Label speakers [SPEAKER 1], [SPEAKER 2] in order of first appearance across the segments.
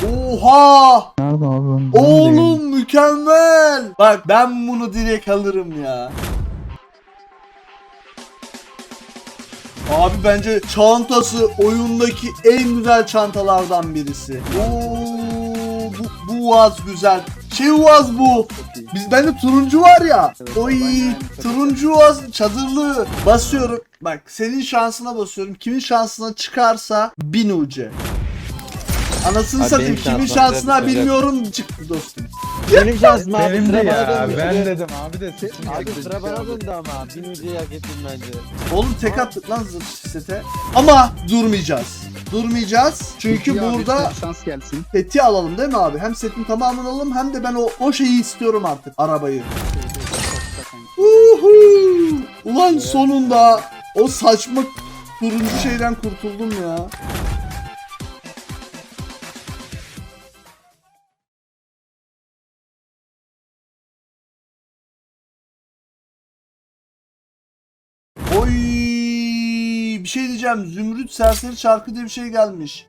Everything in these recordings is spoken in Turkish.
[SPEAKER 1] Oha!
[SPEAKER 2] Nerede abi?
[SPEAKER 1] Oğlum mükemmel. Bak ben bunu direkt alırım ya. Abi bence çantası oyundaki en güzel çantalardan birisi. Oo, bu vaz güzel. Vaz bu. Bende turuncu var ya. Oy, turuncu vaz çadırlı. Basıyorum. Bak senin şansına basıyorum. Kimin şansına çıkarsa 1000 UC. Anasını
[SPEAKER 3] Abi
[SPEAKER 1] satayım.
[SPEAKER 3] benim
[SPEAKER 1] Kimin
[SPEAKER 3] şansıma
[SPEAKER 1] şansına
[SPEAKER 3] çıkacak.
[SPEAKER 1] bilmiyorum çıktı dostum.
[SPEAKER 3] Benim şansım abi.
[SPEAKER 2] Benim de
[SPEAKER 3] Sıra bana
[SPEAKER 2] ya.
[SPEAKER 3] döndü.
[SPEAKER 2] Ben dedim abi de
[SPEAKER 3] Abi sıra bana döndü ama. 1000 ucuyu hak ettim bence.
[SPEAKER 1] Oğlum tek attık lan zırh sete. Ama durmayacağız. Durmayacağız. Çünkü
[SPEAKER 4] Peki abi,
[SPEAKER 1] burada
[SPEAKER 4] şans gelsin.
[SPEAKER 1] seti alalım değil mi abi? Hem setin tamamını alalım hem de ben o şeyi istiyorum artık. Arabayı. Uhu! Ulan sonunda o saçma turuncu şeyden kurtuldum ya. Oy, bir şey diyeceğim. Zümrüt Serseri Çarkı diye bir şey gelmiş.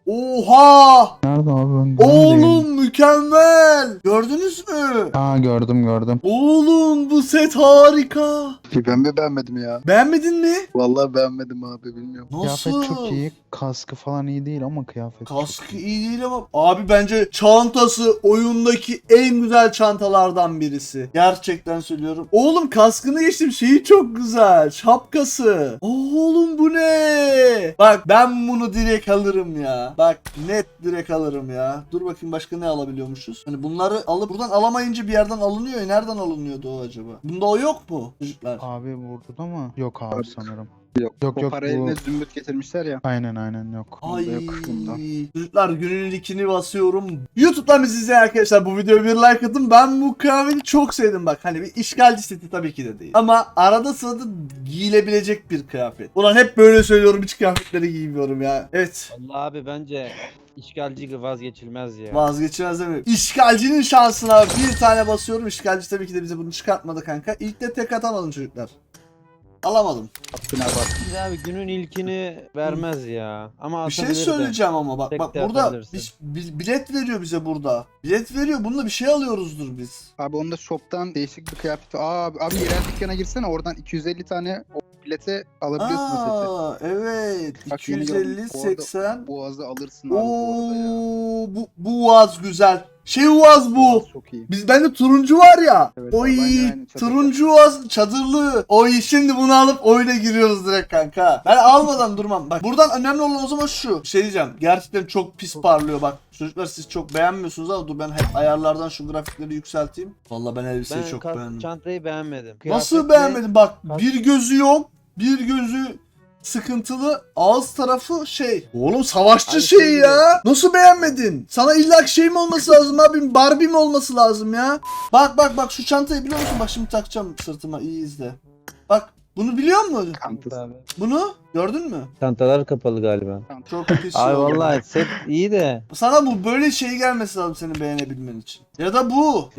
[SPEAKER 1] Oha!
[SPEAKER 2] Nerede abi?
[SPEAKER 1] Oğlum mükemmel. Gördünüz mü?
[SPEAKER 2] Aa, gördüm.
[SPEAKER 1] Oğlum bu set harika.
[SPEAKER 4] Ben mi beğenmedim ya?
[SPEAKER 1] Beğenmedin mi?
[SPEAKER 4] Vallahi beğenmedim abi, bilmiyorum.
[SPEAKER 1] Nasıl?
[SPEAKER 2] Kıyafet çok iyi. Kaskı falan iyi değil ama kıyafet çok
[SPEAKER 1] Kaskı iyi değil ama abi bence çantası oyundaki en güzel çantalardan birisi. Gerçekten söylüyorum. Oğlum kaskını geçtim, şeyi çok güzel. Şapkası. Oğlum bu ne? Bak ben bunu direkt alırım ya. Bak net direkt alırım ya. Dur bakayım başka ne alabiliyormuşuz? Hani bunları alıp buradan alamayınca bir yerden alınıyor ya. Nereden alınıyordu o acaba? Bunda o yok mu çocuklar?
[SPEAKER 2] Abi burada mı? Yok abi sanırım.
[SPEAKER 4] Yok.
[SPEAKER 2] Yok,
[SPEAKER 4] O para eline
[SPEAKER 2] bu...
[SPEAKER 4] zümrüt getirmişler ya.
[SPEAKER 2] Aynen yok.
[SPEAKER 1] Ay
[SPEAKER 4] yok bunda.
[SPEAKER 1] çocuklar günün ilkini basıyorum. YouTube'dan bizi izleyen arkadaşlar bu videoya bir like atın. Ben bu kıyafeti çok sevdim bak. Hani bir işgalci seti tabii ki de değil. Ama arada sırada giyilebilecek bir kıyafet. Ulan hep böyle söylüyorum, hiç kıyafetleri giymiyorum ya. Evet.
[SPEAKER 3] Allah abi bence işgalci vazgeçilmez ya.
[SPEAKER 1] Vazgeçilmez değil mi? İşgalcinin şansına bir tane basıyorum. İşgalci tabii ki de bize bunu çıkartmadı kanka. İlk de tek atamadım çocuklar. Alamadım.
[SPEAKER 4] Hakkına bak.
[SPEAKER 3] Şimdi abi günün ilkini vermez ya. Ama
[SPEAKER 1] Bir şey
[SPEAKER 3] atabilir de.
[SPEAKER 1] söyleyeceğim ama bak
[SPEAKER 3] Tek
[SPEAKER 1] bak
[SPEAKER 3] de
[SPEAKER 1] burada
[SPEAKER 3] atabilirsin.
[SPEAKER 1] bilet veriyor bize burada. Bilet veriyor. Bununla bir şey alıyoruzdur biz.
[SPEAKER 4] Abi onda shop'tan değişik bir kıyafet. Abi yerel dükkana girsene, oradan 250 tane o bilete alabiliyorsun o seti.
[SPEAKER 1] Aa evet.
[SPEAKER 4] Bak, yeni gördüm.
[SPEAKER 1] 250
[SPEAKER 4] Bu arada
[SPEAKER 1] 80.
[SPEAKER 4] Boğazı alırsın abi bu arada ya.
[SPEAKER 1] Oo bu vaz güzel. Vaz bu.
[SPEAKER 4] Boğaz çok iyi.
[SPEAKER 1] Bende turuncu var ya.
[SPEAKER 4] Evet,
[SPEAKER 1] Oy,
[SPEAKER 4] aynen, çadırlı.
[SPEAKER 1] turuncu vaz çadırlı. Oy, şimdi bunu alıp oyuna giriyoruz direkt kanka. Ben almadan durmam. Bak buradan önemli olan o zaman şu. Şey diyeceğim. Gerçekten çok pis parlıyor bak. Çocuklar siz çok beğenmiyorsunuz ama dur ben hep ayarlardan şu grafikleri yükselteyim. Vallahi ben elbiseyi
[SPEAKER 3] Ben
[SPEAKER 1] çok beğendim.
[SPEAKER 3] çantayı beğenmedim.
[SPEAKER 1] Nasıl
[SPEAKER 3] Kıyafetle-
[SPEAKER 1] beğenmedin? Bak
[SPEAKER 3] Kask-
[SPEAKER 1] bir gözü yok. Bir gözü sıkıntılı. Ağız tarafı şey. Oğlum savaşçı
[SPEAKER 3] Ay,
[SPEAKER 1] şey
[SPEAKER 3] şey gibi.
[SPEAKER 1] ya. Nasıl beğenmedin? Sana illa şey mi olması lazım abi? Barbie mi olması lazım ya? Bak şu çantayı biliyor musun? Bak şimdi takacağım sırtıma. İyi izle. Bak bunu biliyor musun?
[SPEAKER 4] Kantası.
[SPEAKER 3] Abi.
[SPEAKER 1] Bunu gördün mü?
[SPEAKER 3] Çantalar kapalı galiba.
[SPEAKER 1] Çok pis şey
[SPEAKER 3] Abi
[SPEAKER 1] oldu.
[SPEAKER 3] vallahi set iyi de.
[SPEAKER 1] Sana bu böyle şey gelmesi lazım senin beğenebilmen için. Ya da bu.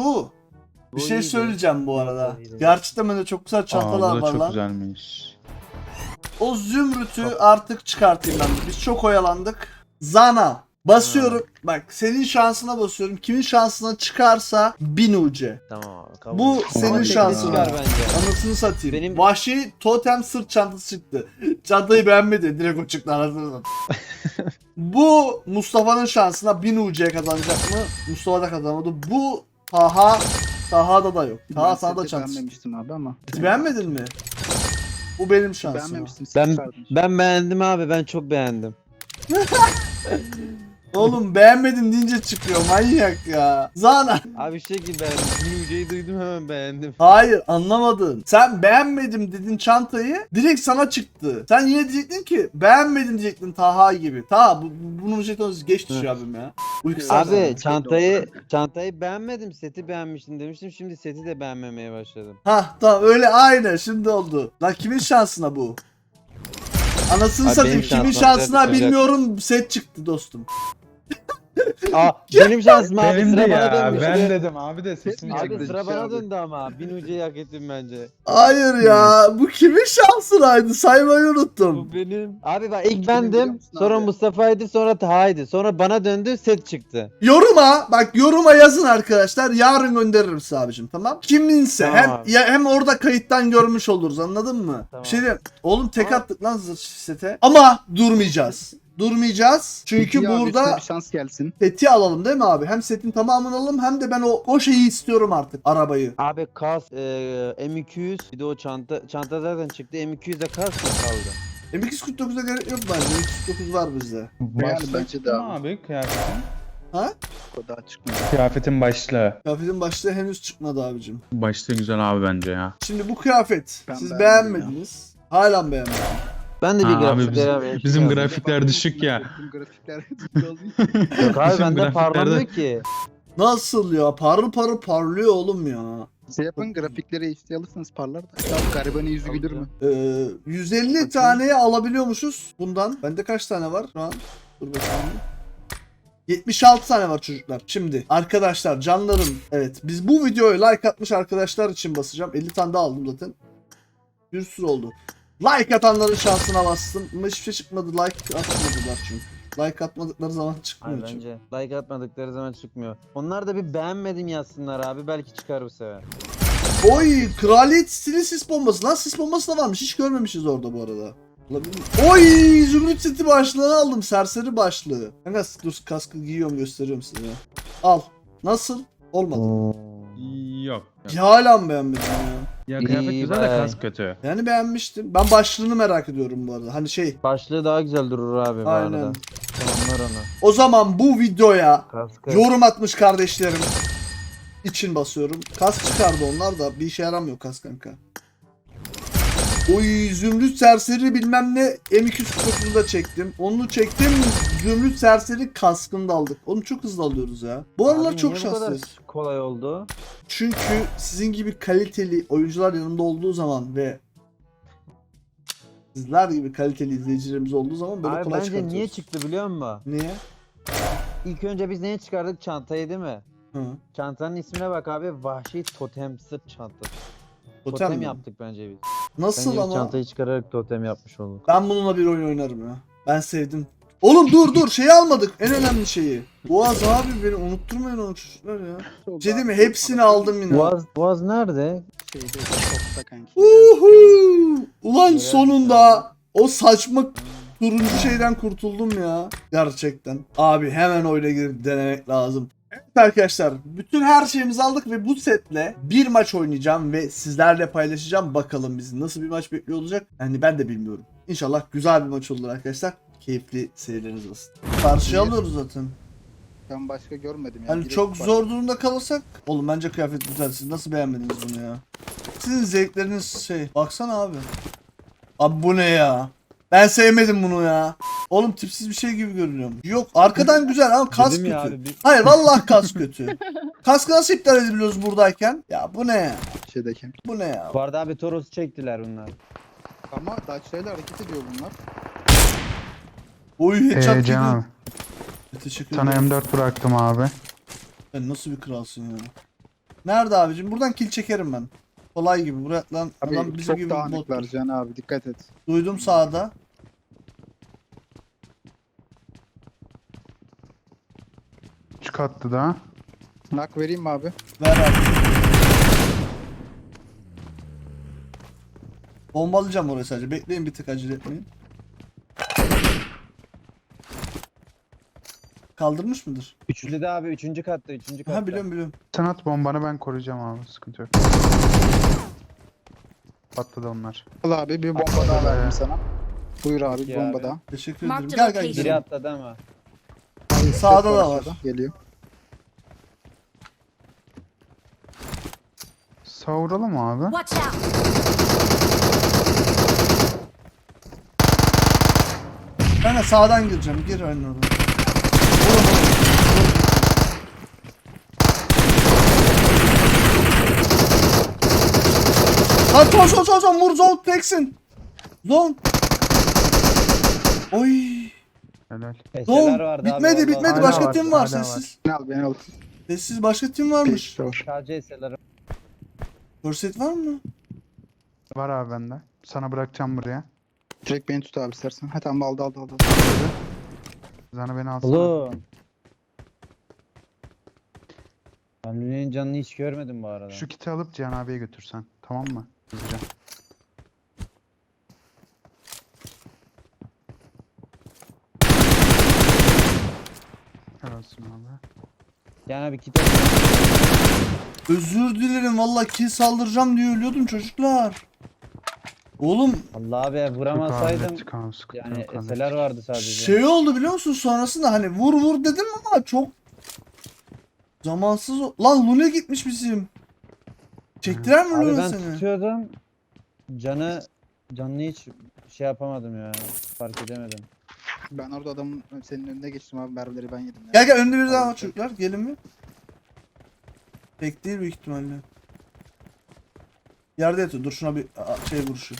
[SPEAKER 1] Bir
[SPEAKER 3] Bu
[SPEAKER 1] şey
[SPEAKER 3] iyiydi.
[SPEAKER 1] söyleyeceğim bu arada.
[SPEAKER 3] iyiydi.
[SPEAKER 1] Gerçekten bende çok güzel çantalar
[SPEAKER 2] Aa, bu da
[SPEAKER 1] var
[SPEAKER 2] çok
[SPEAKER 1] lan.
[SPEAKER 2] güzelmiş.
[SPEAKER 1] O zümrütü artık çıkartayım ben. Biz çok oyalandık. Zana. Basıyorum. Bak senin şansına basıyorum. Kimin şansına çıkarsa 1000 UC.
[SPEAKER 3] Tamam abi. Kabul.
[SPEAKER 1] Bu
[SPEAKER 2] Ama
[SPEAKER 1] senin
[SPEAKER 2] tekli
[SPEAKER 1] şansın.
[SPEAKER 3] Çıkar bence.
[SPEAKER 1] Anasını satayım.
[SPEAKER 3] Benim-
[SPEAKER 1] Vahşi totem sırt çantası çıktı. Çantayı beğenmedi. Direkt o çıktı anasını satayım. Bu Mustafa'nın şansına 1000 UC kazanacak mı? Mustafa da kazanamadı. Bu Taha'da da yok. Taha
[SPEAKER 4] Ben
[SPEAKER 1] sana da
[SPEAKER 4] seti
[SPEAKER 1] çantası.
[SPEAKER 4] beğenmemiştim abi ama.
[SPEAKER 1] Hiç beğenmedin mi? Bu benim şansım.
[SPEAKER 4] Beğenmemiştim.
[SPEAKER 3] Ben beğendim abi, ben çok beğendim.
[SPEAKER 1] Oğlum beğenmedim deyince çıkıyor manyak ya. Zana.
[SPEAKER 3] Abi şey gibi beğendim. Müjdeyi duydum hemen beğendim.
[SPEAKER 1] Hayır anlamadın. Sen beğenmedim dedin çantayı. Direkt sana çıktı. Sen yine diyecektin ki beğenmedim diyecektin Taha gibi. Taha bunun jeton geç düşüyor abim ya. Uykusuz.
[SPEAKER 3] Abi çantayı beğenmedim, seti beğenmiştim demiştim. Şimdi seti de beğenmemeye başladım.
[SPEAKER 1] Hah tamam öyle aynı şimdi oldu. Lan kimin şansına bu? Anasını
[SPEAKER 3] Abi
[SPEAKER 1] satayım
[SPEAKER 3] benim
[SPEAKER 1] kimin
[SPEAKER 3] şansıma
[SPEAKER 1] şansına
[SPEAKER 3] çıkacak.
[SPEAKER 1] bilmiyorum set çıktı dostum.
[SPEAKER 3] Aa, benim şansım abi.
[SPEAKER 2] Benim de
[SPEAKER 3] Sıra bana
[SPEAKER 2] ya.
[SPEAKER 3] dönmüş.
[SPEAKER 2] Ben dedim abi de
[SPEAKER 4] Ses
[SPEAKER 2] sesim
[SPEAKER 4] mi
[SPEAKER 3] Abi
[SPEAKER 2] geldi.
[SPEAKER 3] sıra bana
[SPEAKER 4] abi.
[SPEAKER 3] döndü ama. Bin ucuyu hak ettim bence.
[SPEAKER 1] Hayır ya. Bu kimin şansınaydı? Saymayı unuttum.
[SPEAKER 3] Bu benim. Abi bak ilk
[SPEAKER 4] Kimin biliyor
[SPEAKER 3] bendim.
[SPEAKER 4] musun
[SPEAKER 3] Sonra
[SPEAKER 4] abi?
[SPEAKER 3] Mustafa'ydı. Sonra Taha'ydı. Sonra bana döndü. Set çıktı.
[SPEAKER 1] Yoruma yazın arkadaşlar. Yarın gönderirim size abicim, tamam? Kiminse
[SPEAKER 3] Tamam.
[SPEAKER 1] hem orada kayıttan görmüş oluruz, anladın mı?
[SPEAKER 3] Tamam.
[SPEAKER 1] Bir şey diyeyim. Oğlum tek
[SPEAKER 3] Tamam.
[SPEAKER 1] attık lan sete. Ama durmayacağız. Çünkü
[SPEAKER 4] Peki abi,
[SPEAKER 1] burada
[SPEAKER 4] üstüne bir şans gelsin.
[SPEAKER 1] seti alalım değil mi abi? Hem setin tamamını alalım hem de ben o şeyi istiyorum artık, arabayı.
[SPEAKER 3] Abi kas M200 bir de o çanta zaten çıktı. M200'de kas mı kaldı?
[SPEAKER 1] M249'a gerek yok bence. M249 var bizde.
[SPEAKER 2] Başlığı
[SPEAKER 4] bence de
[SPEAKER 2] çıktı mı
[SPEAKER 4] abi.
[SPEAKER 2] abi kıyafetin?
[SPEAKER 1] Ha?
[SPEAKER 4] O daha çıkmıyor.
[SPEAKER 2] Kıyafetin başlığı.
[SPEAKER 1] Kıyafetin başlığı henüz çıkmadı abicim.
[SPEAKER 5] Başta güzel abi bence ya.
[SPEAKER 1] Şimdi bu kıyafet
[SPEAKER 4] Ben
[SPEAKER 1] siz
[SPEAKER 4] beğenmedim
[SPEAKER 1] beğenmediniz. Hala mı beğenmediniz?
[SPEAKER 3] Ben de bir
[SPEAKER 5] Abi
[SPEAKER 3] grafiklere abi.
[SPEAKER 5] bizim grafikler düşük ya.
[SPEAKER 4] Bizim grafikler düşük olduğu için.
[SPEAKER 3] Yok abi
[SPEAKER 5] bizim
[SPEAKER 3] bende
[SPEAKER 5] grafiklerde-
[SPEAKER 3] parlamıyor ki.
[SPEAKER 1] Nasıl ya? Parıl parıl parlıyor oğlum ya.
[SPEAKER 4] Şey yapın, grafikleri HD alırsanız parlar da. Ya garibanın yüzü gülür mü?
[SPEAKER 1] 150
[SPEAKER 4] Bakayım.
[SPEAKER 1] taneye alabiliyormuşuz bundan. Bende kaç tane var şu an? Dur bakayım. 76 tane var çocuklar. Şimdi arkadaşlar, canlarım, evet biz bu videoya like atmış arkadaşlar için basacağım. 50 tane daha aldım zaten. Bir sürü oldu. Like atanların şansına bastım. Ama hiçbir şey çıkmadı. Like atmadılar çünkü. Like atmadıkları zaman çıkmıyor
[SPEAKER 3] Abi
[SPEAKER 1] çünkü.
[SPEAKER 3] bence like atmadıkları zaman çıkmıyor. Onlar da bir beğenmedim yazsınlar abi. Belki çıkar bu sefer.
[SPEAKER 1] Oy, kraliyet stili sis bombası. Lan sis bombası da varmış. Hiç görmemişiz orada bu arada. Olabilir mi? Oy, zümrüt seti başlığını aldım. Serseri başlığı. Kanka dur, kaskı giyiyorum, gösteriyorum size. Al. Nasıl? Olmadı.
[SPEAKER 5] Yok.
[SPEAKER 1] Ya hala mı beğenmedin ya?
[SPEAKER 5] Ya kıyafet
[SPEAKER 3] İyi
[SPEAKER 5] güzel de
[SPEAKER 3] be.
[SPEAKER 5] kas kötü.
[SPEAKER 1] Yani beğenmiştim. Ben başlığını merak ediyorum bu arada. Hani şey.
[SPEAKER 3] Başlığı daha güzel durur abi bu
[SPEAKER 1] Aynen.
[SPEAKER 3] arada. Tamamlar onu.
[SPEAKER 1] O zaman bu videoya
[SPEAKER 3] Kaskı.
[SPEAKER 1] yorum atmış kardeşlerim için basıyorum. Kask çıkardı onlar da. Bir işe yaramıyor kask kanka. Oy, zümrüt serseri bilmem ne M249'u da çektim. Onu çektim. Zümrüt serseri kaskını da aldık. Oğlum çok hızlı alıyoruz ya. Bu aralar
[SPEAKER 3] Abi
[SPEAKER 1] çok
[SPEAKER 3] niye bu kadar
[SPEAKER 1] şanslıyız.
[SPEAKER 3] kolay oldu?
[SPEAKER 1] Çünkü sizin gibi kaliteli oyuncular yanımda olduğu zaman ve sizler gibi kaliteli izleyicilerimiz olduğu zaman böyle
[SPEAKER 3] Abi
[SPEAKER 1] kolay
[SPEAKER 3] bence niye
[SPEAKER 1] çıkartıyoruz.
[SPEAKER 3] çıktı biliyor musun?
[SPEAKER 1] Niye?
[SPEAKER 3] İlk önce biz neye çıkardık? Çantayı değil mi?
[SPEAKER 1] Hı.
[SPEAKER 3] Çantanın ismine bak abi. Vahşi totem sırt çantası.
[SPEAKER 1] Totem
[SPEAKER 3] Totem
[SPEAKER 1] mi?
[SPEAKER 3] yaptık bence biz.
[SPEAKER 1] Nasıl
[SPEAKER 3] Bence biz
[SPEAKER 1] ama?
[SPEAKER 3] çantayı çıkararak totem yapmış olduk.
[SPEAKER 1] Ben bununla bir oyun oynarım ya. Ben sevdim. Oğlum dur şeyi almadık. En önemli şeyi. Boğaz abi, beni unutturmayın onu çocuklar ya. Bir şey değil mi? Hepsini aldım yine.
[SPEAKER 3] Boğaz nerede?
[SPEAKER 4] Şeyde çokta kanki.
[SPEAKER 1] Uhu! Ulan
[SPEAKER 3] Görev
[SPEAKER 1] sonunda o saçma turuncu şeyden kurtuldum ya. Gerçekten. Abi hemen oyuna girip denemek lazım. Evet arkadaşlar, bütün her şeyimizi aldık ve bu setle bir maç oynayacağım ve sizlerle paylaşacağım. Bakalım bizi nasıl bir maç bekliyor olacak. Yani ben de bilmiyorum. İnşallah güzel bir maç olur arkadaşlar. Keyifli seyirleriniz olsun. Karşıya alıyoruz zaten.
[SPEAKER 4] Ben başka görmedim ya.
[SPEAKER 1] Hani
[SPEAKER 4] Direkt
[SPEAKER 1] çok
[SPEAKER 4] başka-
[SPEAKER 1] zor durumda kalırsak. Oğlum bence kıyafet güzel. Siz nasıl beğenmediniz bunu ya? Sizin zevkleriniz şey. Baksana abi. Abi bu ne ya? Ben sevmedim bunu ya. Oğlum tipsiz bir şey gibi görünüyor. Yok, arkadan güzel ama kas
[SPEAKER 3] Dedim
[SPEAKER 1] kötü.
[SPEAKER 3] ya abi,
[SPEAKER 1] Hayır vallahi kas kötü. Kaskı nasıl iptal edebiliyoruz buradayken? Ya bu ne ya?
[SPEAKER 4] Şeydeyken.
[SPEAKER 1] Bu ne ya?
[SPEAKER 3] Bu arada abi Toros'u çektiler bunlar.
[SPEAKER 4] Ama Dacia'yla hareket ediyor bunlar.
[SPEAKER 1] Oy headshot gibi.
[SPEAKER 2] Can abi.
[SPEAKER 1] Teşekkür
[SPEAKER 2] Sana
[SPEAKER 1] ederim.
[SPEAKER 2] M4 bıraktım abi.
[SPEAKER 1] Sen nasıl bir kralsın ya? Nerede abicim? Buradan kill çekerim ben. Kolay gibi. Buraya lan adam
[SPEAKER 4] Abi
[SPEAKER 1] bizim
[SPEAKER 4] çok
[SPEAKER 1] gibi
[SPEAKER 4] dağınıklar
[SPEAKER 1] bot.
[SPEAKER 4] Can abi, dikkat et.
[SPEAKER 1] Duydum sağda.
[SPEAKER 2] Üç katlı da.
[SPEAKER 4] Nak vereyim mi abi?
[SPEAKER 1] Ver abi. Bombalayacağım oraya sadece. Bekleyin, bir tık acele etmeyin. Kaldırmış mıdır?
[SPEAKER 3] Üçlü de abi üçüncü katta.
[SPEAKER 1] Ha, biliyorum.
[SPEAKER 2] Sen at bombanı, ben koruyacağım abi. Sıkıntı yok. Patladı onlar.
[SPEAKER 4] Al abi, bir bomba daha verdim sana. Buyur abi, bir
[SPEAKER 3] Peki
[SPEAKER 4] bomba
[SPEAKER 3] abi.
[SPEAKER 4] daha.
[SPEAKER 1] Teşekkür
[SPEAKER 6] Mark
[SPEAKER 1] ederim.
[SPEAKER 6] the
[SPEAKER 1] Gel
[SPEAKER 6] location.
[SPEAKER 3] Biri
[SPEAKER 1] gidelim.
[SPEAKER 3] atladı ama.
[SPEAKER 1] Sağda da var.
[SPEAKER 4] Aşağıda, geliyor.
[SPEAKER 2] Savuralım abi.
[SPEAKER 6] Watch out!
[SPEAKER 1] Ben de sağdan gireceğim. Gir aynen orada. Vurun. Lan son vur, zone teksin. Zone. Oy.
[SPEAKER 2] Helal.
[SPEAKER 1] Doğum
[SPEAKER 3] Eseler vardı abi,
[SPEAKER 1] bitmedi
[SPEAKER 3] orada.
[SPEAKER 1] bitmedi
[SPEAKER 2] Hala
[SPEAKER 1] başka
[SPEAKER 2] var,
[SPEAKER 1] tim var
[SPEAKER 2] hala var.
[SPEAKER 1] sessiz.
[SPEAKER 4] Beni al beni al.
[SPEAKER 1] Sessiz başka tim varmış.
[SPEAKER 4] Peşte var.
[SPEAKER 3] Sadece eserler.
[SPEAKER 1] Korset var mı?
[SPEAKER 2] Var abi bende. Sana bırakacağım buraya.
[SPEAKER 4] Direkt beni tut abi istersen. Ha tamam aldı.
[SPEAKER 2] Sana beni alsana.
[SPEAKER 3] Oğlum. Ben Lüne'nin canını hiç görmedim bu arada.
[SPEAKER 2] Şu kiti alıp Cihan abiye götürsen. Tamam mı? Hızlıca. Helalsin abi.
[SPEAKER 3] Yani bir kitap.
[SPEAKER 1] Özür dilerim valla kill saldıracağım diye ölüyordum çocuklar. Oğlum
[SPEAKER 3] Allah abi vuramasaydım. Yani eserler vardı sadece.
[SPEAKER 1] şey oldu biliyor musun sonrasında hani vur dedim ama çok zamansız lan Lune gitmiş bizim. Çektiler mi
[SPEAKER 3] Abi
[SPEAKER 1] Lune
[SPEAKER 3] ben
[SPEAKER 1] seni?
[SPEAKER 3] tutuyordum. Canını hiç şey yapamadım ya. Fark edemedim.
[SPEAKER 4] Ben orada adamın senin önüne geçtim abi. Mermileri ben yedim.
[SPEAKER 1] Gel önde bir daha var
[SPEAKER 4] Hadi.
[SPEAKER 1] çocuklar gelin mi? Tek değil büyük ihtimalle. Yerde yatıyor dur şuna bir şey vuruşu.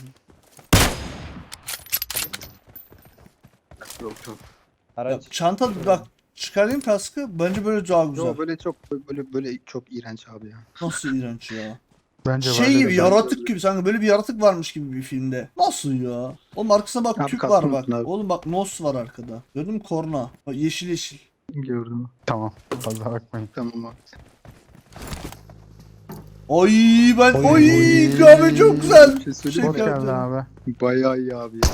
[SPEAKER 4] Yok.
[SPEAKER 1] Ya,
[SPEAKER 3] Araç.
[SPEAKER 1] çanta bak çıkarayım kaskı bence böyle daha güzel.
[SPEAKER 4] Yo böyle çok iğrenç abi ya.
[SPEAKER 1] Nasıl iğrenç ya.
[SPEAKER 2] Bence
[SPEAKER 1] Şey
[SPEAKER 2] böyle
[SPEAKER 1] gibi
[SPEAKER 2] de-
[SPEAKER 1] yaratık gibi sanki böyle bir yaratık varmış gibi bir filmde. Nasıl ya? Oğlum arkasına bak
[SPEAKER 4] Abi
[SPEAKER 1] tüp
[SPEAKER 4] kaskı
[SPEAKER 1] var bak.
[SPEAKER 4] unutun abi.
[SPEAKER 1] Oğlum bak nos var arkada. Gördün mü korna? Bak yeşil yeşil.
[SPEAKER 4] Gördüm.
[SPEAKER 2] Tamam. Fazla bakmayın.
[SPEAKER 4] Tamam abi.
[SPEAKER 1] Ay ben
[SPEAKER 2] Oy,
[SPEAKER 1] oy
[SPEAKER 2] oy.
[SPEAKER 1] kahve çok güzel.
[SPEAKER 4] Bir şey söyleyeyim
[SPEAKER 2] Hoş
[SPEAKER 4] mi?
[SPEAKER 1] Teşekkür
[SPEAKER 2] geldin
[SPEAKER 1] ederim.
[SPEAKER 2] abi.
[SPEAKER 4] Bayağı iyi abi ya.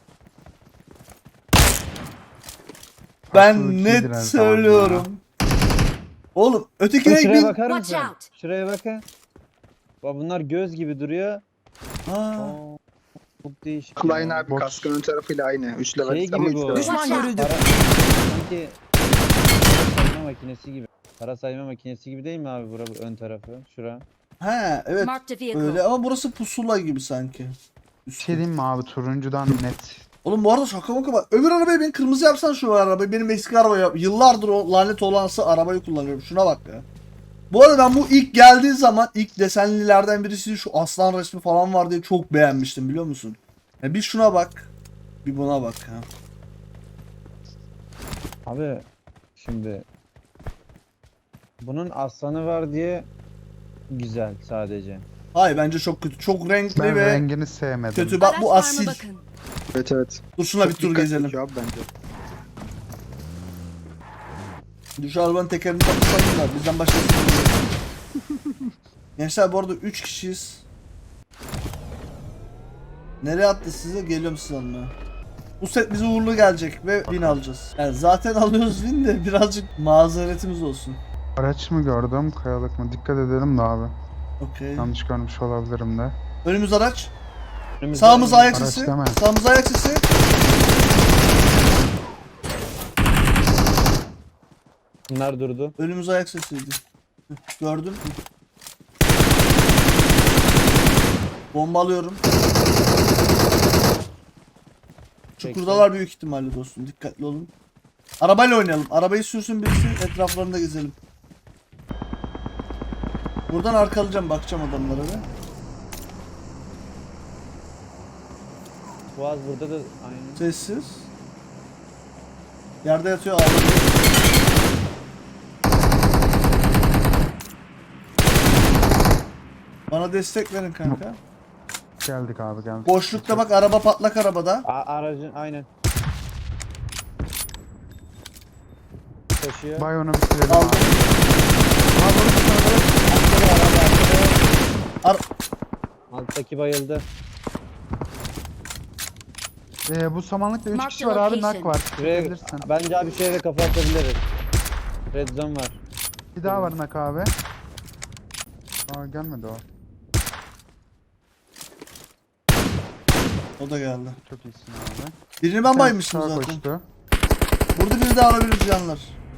[SPEAKER 1] Ben
[SPEAKER 2] Aslı iyidir
[SPEAKER 1] net
[SPEAKER 2] her zaman
[SPEAKER 1] söylüyorum. Oğlum ötekine
[SPEAKER 3] Şuraya
[SPEAKER 1] bin.
[SPEAKER 3] bakar
[SPEAKER 6] Watch
[SPEAKER 3] mısın?
[SPEAKER 6] out.
[SPEAKER 3] Şuraya bakın. Bak bunlar göz gibi duruyor.
[SPEAKER 1] Ha.
[SPEAKER 3] Aa, çok değişik.
[SPEAKER 4] Klein
[SPEAKER 3] ya.
[SPEAKER 4] abi
[SPEAKER 2] Box.
[SPEAKER 4] kaskın ön tarafıyla aynı. 3 level
[SPEAKER 3] Şey
[SPEAKER 4] ama
[SPEAKER 3] gibi
[SPEAKER 4] üç
[SPEAKER 3] bu.
[SPEAKER 4] level.
[SPEAKER 6] Düşman görüldü.
[SPEAKER 3] Sanki para sayma makinesi gibi. Para sayma makinesi gibi değil mi abi bura bu ön tarafı? Şura.
[SPEAKER 1] He evet
[SPEAKER 6] Marked a vehicle.
[SPEAKER 1] öyle ama burası pusula gibi sanki.
[SPEAKER 2] Bir şey diyeyim mi abi? Turuncudan net.
[SPEAKER 1] Oğlum bu arada şaka maka bak. Öbür arabayı ben kırmızı yapsan şu arabayı. Benim eski araba yap. Yıllardır o lanet olansı arabayı kullanıyorum. Şuna bak ya. Bu arada ben bu ilk geldiği zaman ilk desenlilerden birisi şu aslan resmi falan var diye çok beğenmiştim biliyor musun? Ya bir şuna bak. Bir buna bak ha.
[SPEAKER 3] Abi şimdi bunun aslanı var diye güzel sadece.
[SPEAKER 1] Hayır bence çok kötü. Çok renkli
[SPEAKER 2] Ben
[SPEAKER 1] ve
[SPEAKER 2] rengini sevmedim.
[SPEAKER 1] kötü. Bak bu
[SPEAKER 6] Araç var mı
[SPEAKER 1] asil.
[SPEAKER 6] bakın.
[SPEAKER 4] Evet.
[SPEAKER 1] Dur şuna bir
[SPEAKER 4] Çok
[SPEAKER 1] tur
[SPEAKER 4] dikkat
[SPEAKER 1] gezelim.
[SPEAKER 4] çekiyor abi bence.
[SPEAKER 1] Dur şu arabanın tekerini takmışlar da bizden başkası bilmiyor. Gençler bu arada 3 kişiyiz. Nereye attı size? Geliyorum size almaya. Bu set bize uğurlu gelecek ve win alacağız. Yani zaten alıyoruz win de birazcık mazeretimiz olsun.
[SPEAKER 2] Araç mı gördüm? Kayalık mı? Dikkat edelim de abi.
[SPEAKER 1] Okey.
[SPEAKER 2] Yanlış görmüş olabilirim de.
[SPEAKER 1] Önümüz araç.
[SPEAKER 3] Önümüzde-
[SPEAKER 1] Sağımız ayak
[SPEAKER 2] Araç
[SPEAKER 1] sesi.
[SPEAKER 2] deme.
[SPEAKER 1] Sağımız ayak sesi.
[SPEAKER 3] Bunlar durdu.
[SPEAKER 1] Önümüz ayak sesiydi. Gördün mü? Bombalıyorum. Çukurdalar büyük ihtimalle dostum. Dikkatli olun. Arabayla oynayalım. Arabayı sürsün birisi. Etraflarında gezelim. Buradan arkalayacağım. Bakacağım adamlara da.
[SPEAKER 3] Boğaz burada da aynı.
[SPEAKER 1] Sessiz. Yerde yatıyor ağlıyor. Bana destek verin kanka.
[SPEAKER 2] Geldik abi geldik.
[SPEAKER 1] Boşlukta bak araba patlak arabada.
[SPEAKER 3] Aracın aynen. Koşuyor.
[SPEAKER 2] Bay onu bitirelim
[SPEAKER 1] Aldım.
[SPEAKER 2] abi.
[SPEAKER 3] Alttaki bayıldı.
[SPEAKER 2] Bu samanlıkta 3
[SPEAKER 6] Mark
[SPEAKER 2] kişi
[SPEAKER 6] the
[SPEAKER 2] var abi.
[SPEAKER 6] location.
[SPEAKER 2] Nak var.
[SPEAKER 3] Şuraya,
[SPEAKER 2] Gidebilirsin.
[SPEAKER 3] bence abi şuraya da kafa atabiliriz. Red zone var.
[SPEAKER 2] Bir daha var nak abi. Aa gelmedi o.
[SPEAKER 1] O da geldi.
[SPEAKER 2] Çok iyisin abi.
[SPEAKER 1] Birini ben
[SPEAKER 2] Sen
[SPEAKER 1] baymıştım
[SPEAKER 2] sağa
[SPEAKER 1] zaten.
[SPEAKER 2] koştu.
[SPEAKER 1] Burada biri de alabilir canlar.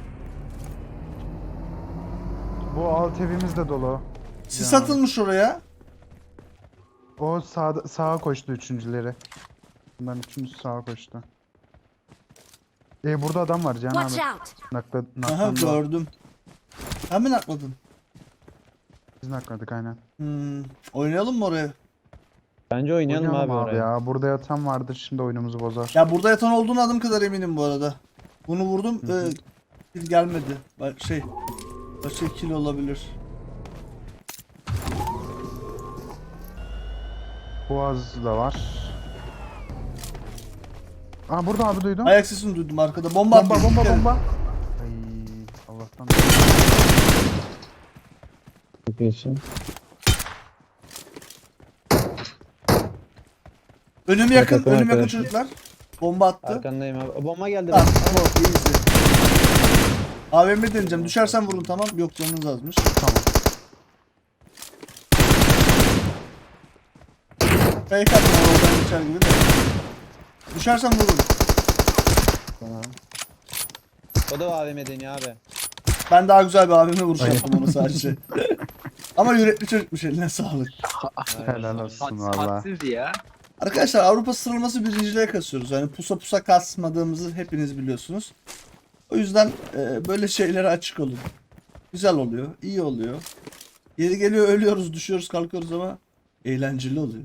[SPEAKER 2] Bu alt evimiz de dolu.
[SPEAKER 1] Sis
[SPEAKER 2] Ya.
[SPEAKER 1] atılmış oraya.
[SPEAKER 2] O sağa koştu üçüncüleri. Bunların üçüncüsü sağa koştu. Burada adam var Cihan
[SPEAKER 6] Watch
[SPEAKER 2] abi.
[SPEAKER 6] out.
[SPEAKER 1] Aha gördüm. Hemen atladın.
[SPEAKER 2] Biz nakladık aynen.
[SPEAKER 1] Oynayalım mı oraya?
[SPEAKER 3] Bence oynayalım abi oraya.
[SPEAKER 2] ya. Burada yatan vardır şimdi oyunumuzu bozar.
[SPEAKER 1] Ya burada yatan olduğunu adım kadar eminim bu arada. Bunu vurdum. Kill gelmedi. Başka kill olabilir.
[SPEAKER 2] Boğaz da var. Aa burada abi duydum.
[SPEAKER 1] Ayak sesini duydum arkada. Bomba
[SPEAKER 2] Bomba
[SPEAKER 1] atıyor.
[SPEAKER 2] bomba
[SPEAKER 1] Dikkat edin.
[SPEAKER 2] bomba. Ay Allah'tan.
[SPEAKER 3] Çok iyisin.
[SPEAKER 1] Önüm yakın.
[SPEAKER 3] Yakın
[SPEAKER 1] Önüm yakın
[SPEAKER 3] arkadaş.
[SPEAKER 1] çocuklar. Bomba attı.
[SPEAKER 3] Arkandayım abi. Bomba geldi.
[SPEAKER 1] Tamam. Tamam. Easy. AVM deneyeceğim. Düşersen vurun tamam. Yok canınız azmış.
[SPEAKER 2] Tamam.
[SPEAKER 1] Fake attım oradan geçer gibi de. Düşersen vurun.
[SPEAKER 3] Tamam. O da AVM deniyor abi.
[SPEAKER 1] Ben daha güzel bir AVM vuruş yaptım onu sadece. Ama yürekli çocukmuş, eline sağlık.
[SPEAKER 2] Helal olsun valla.
[SPEAKER 4] Hadsiz ya.
[SPEAKER 1] Arkadaşlar Avrupa sıralaması birinciliğe kasıyoruz. Yani pusa pusa kasmadığımızı hepiniz biliyorsunuz. O yüzden böyle şeylere açık olun. Güzel oluyor, iyi oluyor. Yeri geliyor ölüyoruz, düşüyoruz, kalkıyoruz ama eğlenceli oluyor.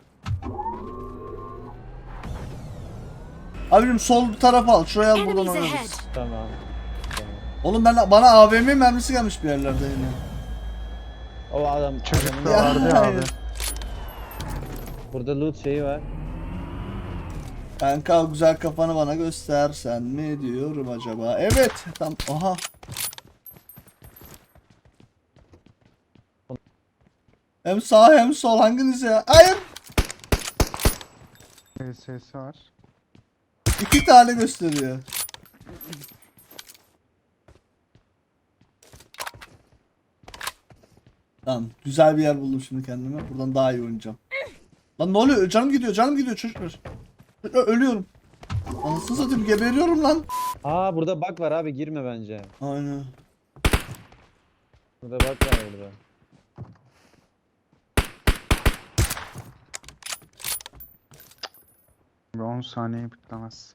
[SPEAKER 1] Abim sol tarafa al, şuraya al buradan
[SPEAKER 6] Enemies
[SPEAKER 1] oynarız.
[SPEAKER 6] ahead.
[SPEAKER 3] Tamam.
[SPEAKER 1] Oğlum bana AVM mermisi gelmiş bir yerlerde yine.
[SPEAKER 3] O adam.
[SPEAKER 2] Çocuk
[SPEAKER 3] adamın-
[SPEAKER 2] da vardı ya abi.
[SPEAKER 1] hayır.
[SPEAKER 3] Burada loot şeyi var.
[SPEAKER 1] Kanka o güzel kafanı bana göstersen mi diyorum acaba. Evet. Tam aha. Hem sağ hem sol hanginiz ya? Hayır.
[SPEAKER 2] SS var.
[SPEAKER 1] 2 tane gösteriyor. Tamam. Güzel bir yer buldum şimdi kendime. Buradan daha iyi oynayacağım. Lan ne oluyor? Canım gidiyor çocuklar. Ölüyorum. Anasını satayım geberiyorum lan.
[SPEAKER 3] Aa burada bug var abi, girme bence.
[SPEAKER 1] Aynen.
[SPEAKER 3] Burada bug var burada.
[SPEAKER 2] Bir 10 saniye bitmez.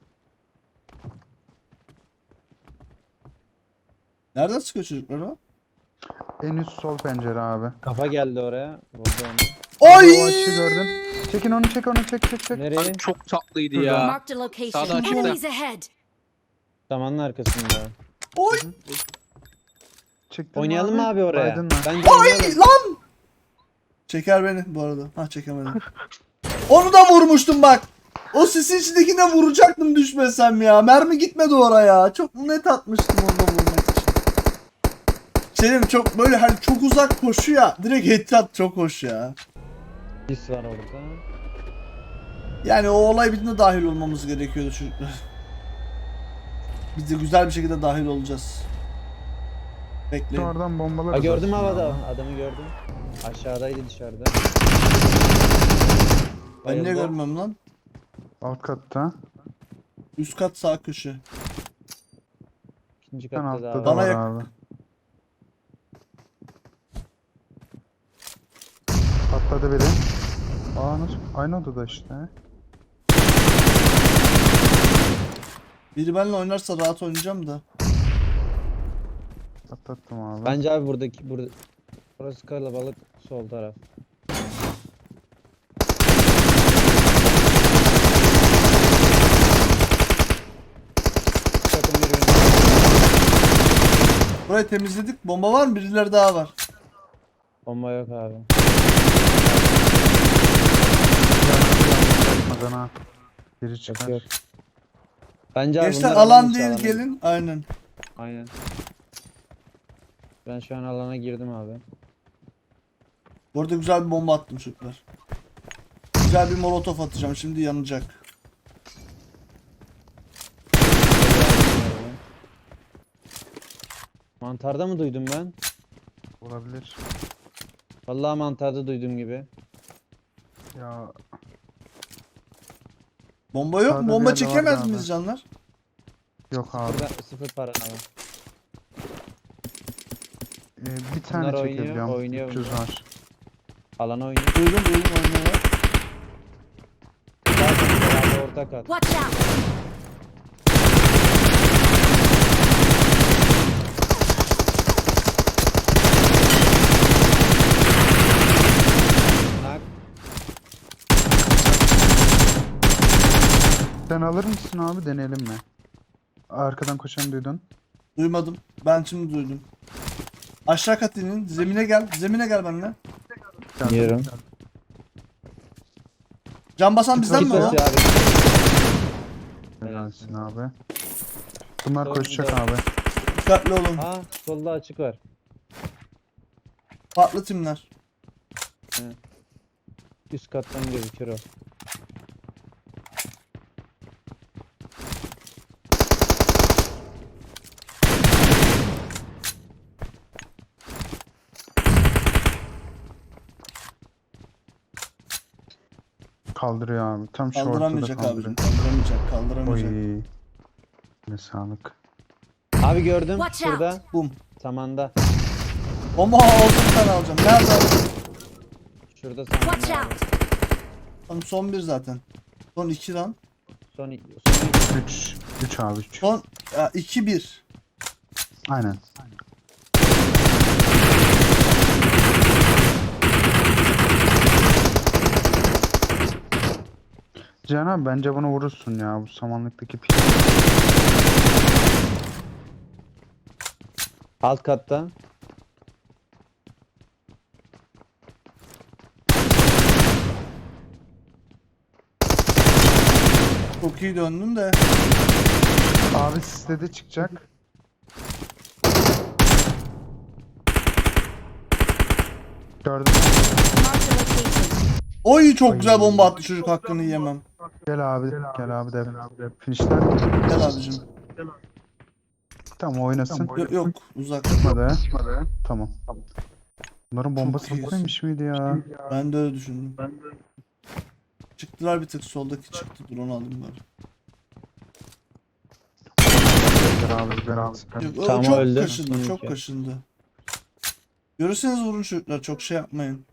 [SPEAKER 1] Nereden çıkıyor çocuklar o?
[SPEAKER 2] En üst sol pencere abi.
[SPEAKER 3] Kafa geldi oraya. Vurdu onu.
[SPEAKER 1] Oy!
[SPEAKER 2] O açıyı gördün. Çekin onu çek onu çek.
[SPEAKER 3] Nereye?
[SPEAKER 4] Abi çok tatlıydı ya.
[SPEAKER 6] Marked a location.
[SPEAKER 4] Sağda açıkta.
[SPEAKER 6] Enemies ahead.
[SPEAKER 3] Samanın arkasında.
[SPEAKER 1] Oy!
[SPEAKER 2] Çektin
[SPEAKER 3] Oynayalım mı abi oraya?
[SPEAKER 2] Baydın mı?
[SPEAKER 3] Bence
[SPEAKER 1] Oy
[SPEAKER 3] oynayalım.
[SPEAKER 1] lan! Çeker beni bu arada. Ha çekemedim. Onu da vurmuştum bak. O sisin içindekine vuracaktım düşmesem ya. Mermi gitmedi oraya. Çok net atmıştım orada vurmak için. Selim çok böyle hani çok uzak koşu ya. Direkt headshot çok hoş ya.
[SPEAKER 3] Sis var orada.
[SPEAKER 1] Yani o olay bittiğinde dahil olmamız gerekiyordu çocuklar. Biz de güzel bir şekilde dahil olacağız. Bekleyin.
[SPEAKER 2] Oradan bombalar.
[SPEAKER 3] Ha gördüm
[SPEAKER 2] atarsın
[SPEAKER 3] havada.
[SPEAKER 2] abi.
[SPEAKER 3] Adamı gördüm. Aşağıdaydı dışarıda.
[SPEAKER 1] Ben niye
[SPEAKER 3] Bayıldı.
[SPEAKER 1] görmüyorum lan?
[SPEAKER 2] Alt katta.
[SPEAKER 1] Üst kat sağ köşe.
[SPEAKER 3] İkinci
[SPEAKER 2] Ben
[SPEAKER 3] katta
[SPEAKER 2] altta
[SPEAKER 3] daha
[SPEAKER 2] da
[SPEAKER 1] Bana
[SPEAKER 3] var.
[SPEAKER 2] var
[SPEAKER 1] yak-
[SPEAKER 2] abi. Patladı biri. Aa nasıl? Aynı odada işte.
[SPEAKER 1] Biri benimle oynarsa rahat oynayacağım da.
[SPEAKER 2] Patlattım abi.
[SPEAKER 3] Bence abi burada burası kalabalık, sol taraf. Takım birbirini.
[SPEAKER 1] Burayı temizledik. Bomba var mı? Birileri daha var.
[SPEAKER 3] Bomba yok abi.
[SPEAKER 2] Bakmadan ha. Biri
[SPEAKER 3] Yok
[SPEAKER 2] çıkar.
[SPEAKER 3] yok. Bence abi
[SPEAKER 1] Gençler
[SPEAKER 3] bunlar
[SPEAKER 1] alan
[SPEAKER 3] dışı,
[SPEAKER 1] değil
[SPEAKER 3] alana-
[SPEAKER 1] gelin. Aynen.
[SPEAKER 3] Aynen. Ben şu an alana girdim abi.
[SPEAKER 1] Bu arada güzel bir bomba attım çocuklar. Güzel bir molotof atacağım. Şimdi yanacak.
[SPEAKER 3] Mantarda mı duydum ben?
[SPEAKER 2] Olabilir.
[SPEAKER 3] Vallahi mantarda duydum gibi.
[SPEAKER 2] Ya
[SPEAKER 1] Bomba yok mu?
[SPEAKER 2] Sağda bir
[SPEAKER 1] Bomba
[SPEAKER 2] yerde
[SPEAKER 1] çekemez
[SPEAKER 2] vardı
[SPEAKER 1] miyiz
[SPEAKER 2] abi.
[SPEAKER 1] canlar?
[SPEAKER 2] yok abi.
[SPEAKER 3] Sıfır para abi.
[SPEAKER 2] Bir tane
[SPEAKER 3] Bunlar oynuyor,
[SPEAKER 2] çekebiliyorum.
[SPEAKER 3] oynuyor
[SPEAKER 2] 300
[SPEAKER 3] bunlar.
[SPEAKER 2] var.
[SPEAKER 3] Alana oynuyor.
[SPEAKER 1] Duydum oynuyorlar.
[SPEAKER 3] Abi orta kat.
[SPEAKER 6] Watch out.
[SPEAKER 3] Nak.
[SPEAKER 2] Midden alır mısın abi, deneyelim mi? Arkadan koşan duydun.
[SPEAKER 1] Duymadım. Ben şimdi duydum. Aşağı kat inin. Zemine gel. Zemine gel benimle.
[SPEAKER 2] Geldim,
[SPEAKER 3] Yiyorum.
[SPEAKER 2] geldim.
[SPEAKER 1] Can basan bizden mi
[SPEAKER 3] Git
[SPEAKER 1] o?
[SPEAKER 3] basıyor abi.
[SPEAKER 2] Helalsin abi. Bunlar
[SPEAKER 3] Doğru,
[SPEAKER 2] koşacak
[SPEAKER 3] doğru.
[SPEAKER 2] abi.
[SPEAKER 1] Dikkatli olun.
[SPEAKER 3] Aa solda açık var.
[SPEAKER 1] Farklı timler.
[SPEAKER 3] Üst kattan gözükür o.
[SPEAKER 2] Kaldırıyor abi. Tam şu ortada
[SPEAKER 1] Kaldıramayacak abicim.
[SPEAKER 2] kaldırıyor.
[SPEAKER 1] Kaldıramayacak. Kaldıramayacak.
[SPEAKER 2] Oy. Ne sağlık.
[SPEAKER 3] Abi gördüm
[SPEAKER 6] Watch
[SPEAKER 3] şurada.
[SPEAKER 1] Bum.
[SPEAKER 3] Samanda.
[SPEAKER 1] Ama olsun sen alacağım. Nerede aldın?
[SPEAKER 3] Şurada
[SPEAKER 6] Watch
[SPEAKER 3] samanda. abi.
[SPEAKER 6] out!
[SPEAKER 1] Tamam, son bir zaten. Son 2 lan.
[SPEAKER 3] Son
[SPEAKER 2] 3. 3 abi 3.
[SPEAKER 1] Son 2-1.
[SPEAKER 2] Aynen. Cihan abi bence bunu vurursun ya, bu samanlıktaki pil.
[SPEAKER 3] alt katta.
[SPEAKER 1] Çok iyi döndün de.
[SPEAKER 2] Abi sisledi, çıkacak. Gördüm.
[SPEAKER 6] Marked a location.
[SPEAKER 1] Oy çok güzel bomba attı çocuk, hakkını yiyemem.
[SPEAKER 2] Gel abi, gel abi de. Finişler.
[SPEAKER 1] Gel abicim.
[SPEAKER 2] Tamam oynasın.
[SPEAKER 1] Yok uzak.
[SPEAKER 2] Çıkmadı. Tamam. Bunların bombası
[SPEAKER 1] Çok iyi.
[SPEAKER 2] bitmemiş miydi ya?
[SPEAKER 1] Ben de öyle düşündüm. Çıktılar bir tık, soldaki çıktı. Dur onu alayım bari.
[SPEAKER 2] Gel abi.
[SPEAKER 1] Yok, o
[SPEAKER 3] Tamam,
[SPEAKER 1] çok
[SPEAKER 3] öldü.
[SPEAKER 1] kaşındı,
[SPEAKER 3] Son
[SPEAKER 1] çok
[SPEAKER 3] iki.
[SPEAKER 1] kaşındı. Görürseniz vurun çocuklar, çok şey yapmayın.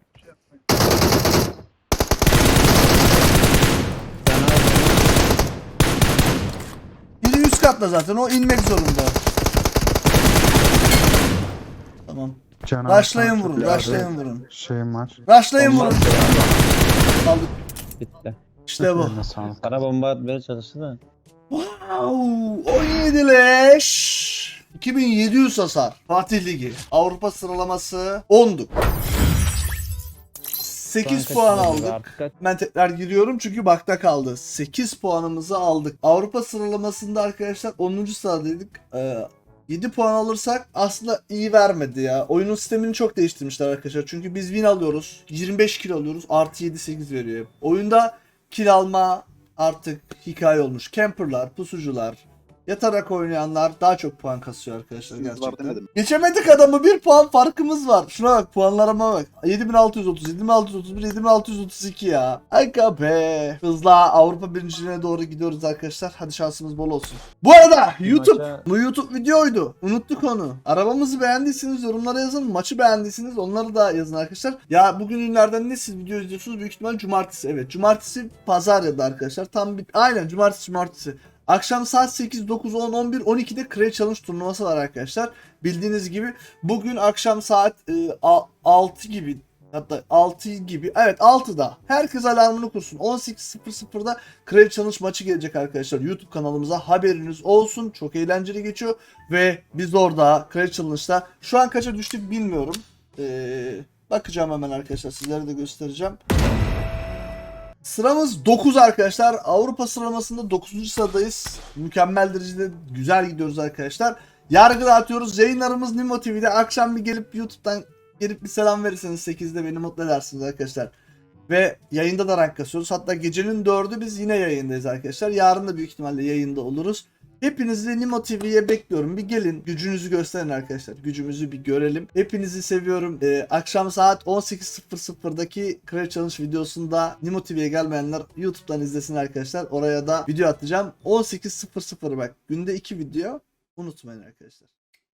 [SPEAKER 3] Sen abi.
[SPEAKER 1] Biri üst katta zaten, o inmek zorunda. Tamam.
[SPEAKER 2] Can abi,
[SPEAKER 1] Rushlayın
[SPEAKER 2] sana
[SPEAKER 1] vurun,
[SPEAKER 2] çok
[SPEAKER 1] rushlayın vurun.
[SPEAKER 2] Şeyim var.
[SPEAKER 1] Rushlayın
[SPEAKER 3] Bomba
[SPEAKER 1] vurun.
[SPEAKER 3] attı abi.
[SPEAKER 1] Aldık.
[SPEAKER 3] Bitti.
[SPEAKER 1] İşte bu.
[SPEAKER 2] Eline sağlık.
[SPEAKER 3] Sana bomba atmaya çalıştı da.
[SPEAKER 1] Wow, 17 leş. 2700 hasar. Fatih Ligi. Avrupa sıralaması 10'duk. 8
[SPEAKER 3] Şu an
[SPEAKER 1] puan
[SPEAKER 3] kaçıncı
[SPEAKER 1] aldık.
[SPEAKER 3] artık kaç-
[SPEAKER 1] Ben tekrar giriyorum çünkü bakta kaldı. 8 puanımızı aldık. Avrupa sıralamasında arkadaşlar 10. sıradaydık. 7 puan alırsak aslında iyi vermedi ya. Oyunun sistemini çok değiştirmişler arkadaşlar. Çünkü biz win alıyoruz. 25 kill alıyoruz. Artı 7-8 veriyor. Oyunda kill alma artık hikaye olmuş. Camperlar, pusucular, yatarak oynayanlar daha çok puan kasıyor arkadaşlar
[SPEAKER 4] Var
[SPEAKER 1] gerçekten.
[SPEAKER 4] demedim.
[SPEAKER 1] Geçemedik adamı, 1 puan farkımız var. Şuna bak, puanlarıma bak. 7630, 7631, 7632 ya. Aga be. Hızla Avrupa birinciliğine doğru gidiyoruz arkadaşlar. Hadi şansımız bol olsun. Bu arada YouTube.
[SPEAKER 3] maça-
[SPEAKER 1] Bu YouTube videoydu. Unuttuk onu. Arabamızı beğendiyseniz yorumlara yazın. Maçı beğendiyseniz onları da yazın arkadaşlar. Ya bugün günlerden ne siz video izliyorsunuz? Büyük ihtimal cumartesi. Evet, cumartesi pazar ya da arkadaşlar. Tam bir aynen cumartesi. Akşam saat 8, 9, 10, 11, 12'de Crash Challenge turnuvası var arkadaşlar. Bildiğiniz gibi bugün akşam saat 6 gibi, hatta 6 gibi, evet 6'da herkes alarmını kursun. 18.00'da Crash Challenge maçı gelecek arkadaşlar. YouTube kanalımıza haberiniz olsun. Çok eğlenceli geçiyor ve biz orada Crash Challenge'da şu an kaça düştük bilmiyorum. Bakacağım hemen arkadaşlar, sizlere de göstereceğim. Sıramız 9 arkadaşlar. Avrupa sıralamasında 9. sıradayız. Mükemmel derecede güzel gidiyoruz arkadaşlar. Yargı dağıtıyoruz. Yayınlarımız Nimo TV'de. Akşam bir gelip YouTube'dan gelip bir selam verirseniz 8'de beni mutlu edersiniz arkadaşlar. Ve yayında da rank kasıyoruz. Hatta gecenin 4'ü biz yine yayındayız arkadaşlar. Yarın da büyük ihtimalle yayında oluruz. Hepinizi Nimo TV'ye bekliyorum. Bir gelin, gücünüzü gösterin arkadaşlar. Gücümüzü bir görelim. Hepinizi seviyorum. Akşam saat 18.00'daki Crash Challenge videosunda Nimo TV'ye gelmeyenler YouTube'dan izlesin arkadaşlar. Oraya da video atacağım. 18.00 bak. Günde 2 video. Unutmayın arkadaşlar.